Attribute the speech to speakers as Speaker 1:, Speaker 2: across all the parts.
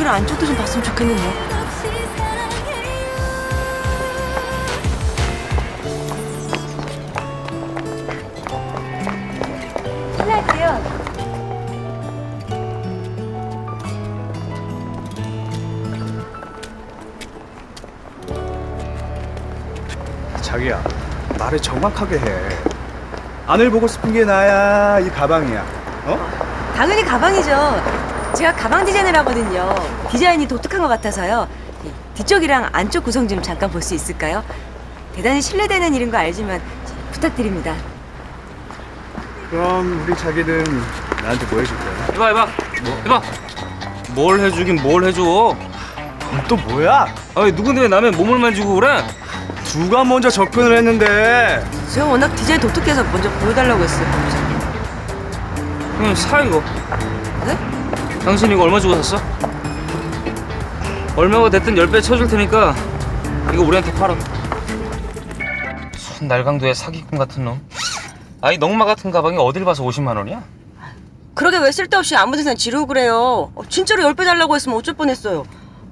Speaker 1: 뒤쪽이랑 안쪽도 좀 봤으면 좋겠는데. 실례할게요.
Speaker 2: 자기야, 말을 정확하게 해. 안을 보고 싶은 게 나야, 이 가방이야. 어?
Speaker 1: 당연히 가방이죠. 제가 가방 디자인을 하거든요. 디자인이 독특한 것 같아서요. 뒤쪽이랑 안쪽 구성 좀 잠깐 볼 수 있을까요? 대단히 신뢰되는 일인 거 알지만 부탁드립니다.
Speaker 2: 그럼 우리 자기는 나한테 뭐 해줄 거야?
Speaker 3: 이봐 이봐 뭘 해주긴 뭘 해줘.
Speaker 2: 또 뭐야?
Speaker 3: 아니 누군데 왜 남의 몸을 만지고 그래?
Speaker 2: 누가 먼저 접근을 했는데?
Speaker 1: 제가 워낙 디자인 독특해서 먼저 보여달라고 했어요.
Speaker 3: 그냥 사 이거.
Speaker 1: 네?
Speaker 3: 당신 이거 얼마 주고 샀어? 얼마가 됐든 10배 쳐줄 테니까 이거 우리한테 팔아. 순 날강도의 사기꾼 같은 놈. 아이 넝마 같은 가방이 어딜 봐서 50만 원이야?
Speaker 1: 그러게 왜 쓸데없이 아무 데나 지르고 그래요. 진짜로 10배 달라고 했으면 어쩔 뻔했어요.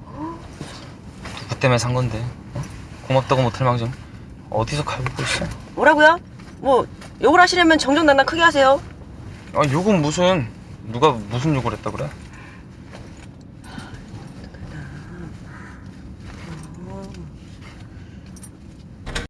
Speaker 3: 누구 때문에 산 건데? 어? 고맙다고 못할 망정 어디서 갈고 있어?
Speaker 1: 뭐라고요? 뭐 욕을 하시려면 정정당당 크게 하세요.
Speaker 3: 아 욕은 무슨 누가 무슨 욕을 했다 그래?